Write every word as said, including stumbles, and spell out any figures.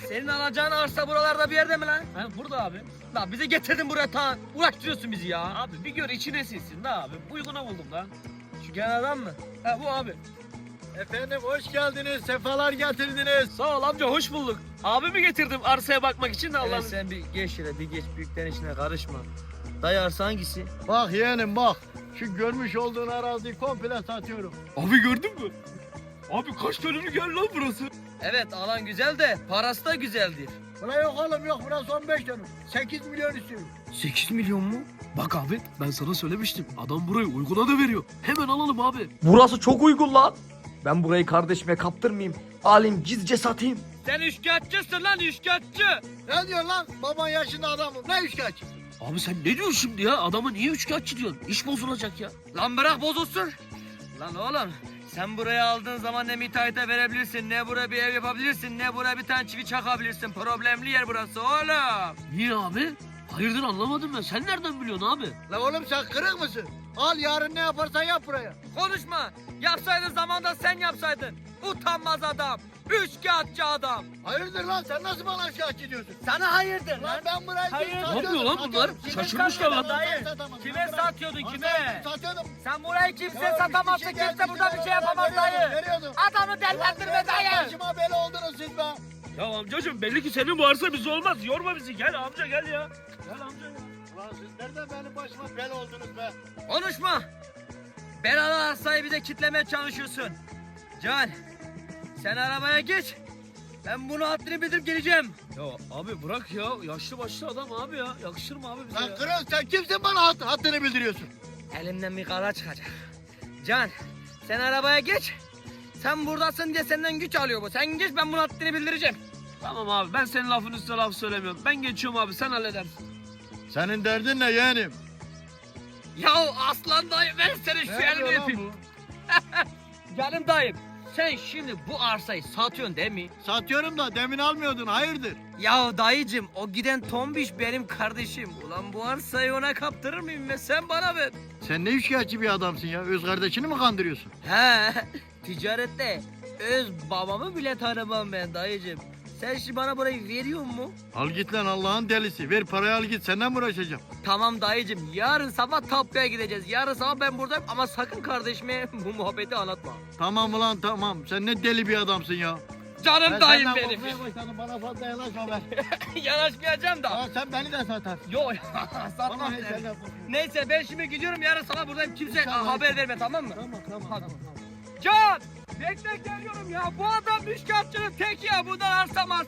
Senin alacağın arsa buralarda bir yerde mi lan? Ha burada abi. Lan bizi getirdin buraya ta. Uğraştırıyorsun bizi ya. Abi bir gör içine sinsin da abi. Uyguna buldum da. Şu gelen adam mı? Ha bu abi. Efendim hoş geldiniz, sefalar getirdiniz. Sağ ol amca hoş bulduk. Abimi getirdim arsaya bakmak için de Evet, Allah'ım. sen bir geç şöyle bir geç büyüklerin işine karışma. Dayı arsa hangisi? Bak yeğenim bak, şu görmüş olduğun araziyi komple satıyorum. Abi gördün mü? Abi kaç dönümlük yer lan burası? Evet alan güzel de parası da güzeldir. Buna yok oğlum yok, burası on beş dönüm. sekiz milyon istiyorum. sekiz milyon mu? Bak abi ben sana söylemiştim. Adam burayı uyguna da veriyor. Hemen alalım abi. Burası çok uygun lan. Ben burayı kardeşime kaptırmayayım. Alayım gizlice satayım. Sen üçkağıtçısın lan üçkağıtçı. Ne diyor lan? Baban yaşında adamım, ne üçkaç? Abi sen ne diyorsun şimdi ya? Adama niye üçkağıtçı diyorsun? İş bozulacak ya. Lan bırak bozulsun. Lan oğlum sen buraya aldığın zaman ne müteahhite verebilirsin, ne buraya bir ev yapabilirsin, ne buraya bir tane çivi çakabilirsin. Problemli yer burası oğlum. Niye abi? Hayırdır anlamadım ben. Sen nereden biliyorsun abi? La oğlum sen kırık mısın? Al yarın ne yaparsan yap buraya. Konuşma. Yapsaydın zamanda sen yapsaydın. Utanmaz adam. Üçkağıtçı adam. Hayırdır lan, sen nasıl bana şikayetçi diyorsun? Sana hayırdır Lan ben burayı Hayır. kim Ne satıyorum, yapıyor lan bunlar? satıyorum. Kime Şaşırmışlar lan. satıyordum, Dayı, ben satamadım. kime Ben bırak- satıyordun, Lan kime? ben Satıyordum. Sen burayı kimse Ya, satamazsın. bir kişi Kimse geldi, burada bir şey yapamaz veriyordum, dayı. veriyordum. Adamı dellendirme dayı. Başıma bela oldunuz siz be. Ya amcacığım belli ki senin bu arsa bize olmaz. Yorma bizi. Gel amca gel ya. Gel amca ya. Ulan siz nereden benim başıma bela oldunuz be? Konuşma. Belalı arsayı bir de kitlemeye çalışıyorsun. Can, sen arabaya geç. Ben bunu haddini bildirip geleceğim. Ya abi bırak ya. Yaşlı başlı adam abi ya. Yakışır mı abi bize Lan ya? kırıl, sen kimsin bana hat, haddini bildiriyorsun? Elimden bir kara çıkacak. Can, sen arabaya geç. Sen buradasın diye senden güç alıyor bu. Sen geç, ben bunu haddini bildireceğim. Tamam abi ben senin lafın üstüne laf söylemiyorum. Ben geçiyorum abi sen halledersin. Senin derdin ne yeğenim? Ya aslan dayı, ben senin şu Ne elini diyor lan öpeyim. bu? Canım dayım, sen şimdi bu arsayı satıyorsun değil mi? Satıyorum da demin almıyordun, hayırdır? Ya dayıcım, o giden tombiş benim kardeşim. Ulan bu arsayı ona kaptırır mıyım ve sen bana ver. Sen ne şikayetçi bir adamsın ya, öz kardeşini mi kandırıyorsun? He, ticarette öz babamı bile tanımam ben dayıcım. Sen şimdi bana burayı veriyor mu? Al git lan Allah'ın delisi, ver parayı al git, senden mi uğraşacağım? Tamam dayıcım, yarın sabah tapuya gideceğiz. Yarın sabah ben buradayım ama sakın kardeşime bu muhabbeti anlatma. Tamam ulan tamam, sen ne deli bir adamsın ya. Canım Ben dayım senden benim. korkmaya başladım, bana fazla yanaşma be. Yanaşmayacağım da. Ya sen beni de satarsın. Yok satmam. Bana hiç senden korkma. Neyse ben şimdi gidiyorum, yarın sabah buradayım. Kimse İnşallah. haber verme, tamam mı? Tamam tamam Hadi. tamam. tamam. Can! Bekle geliyorum ya. Bu adam müşkatçının teki ya. Bundan arsa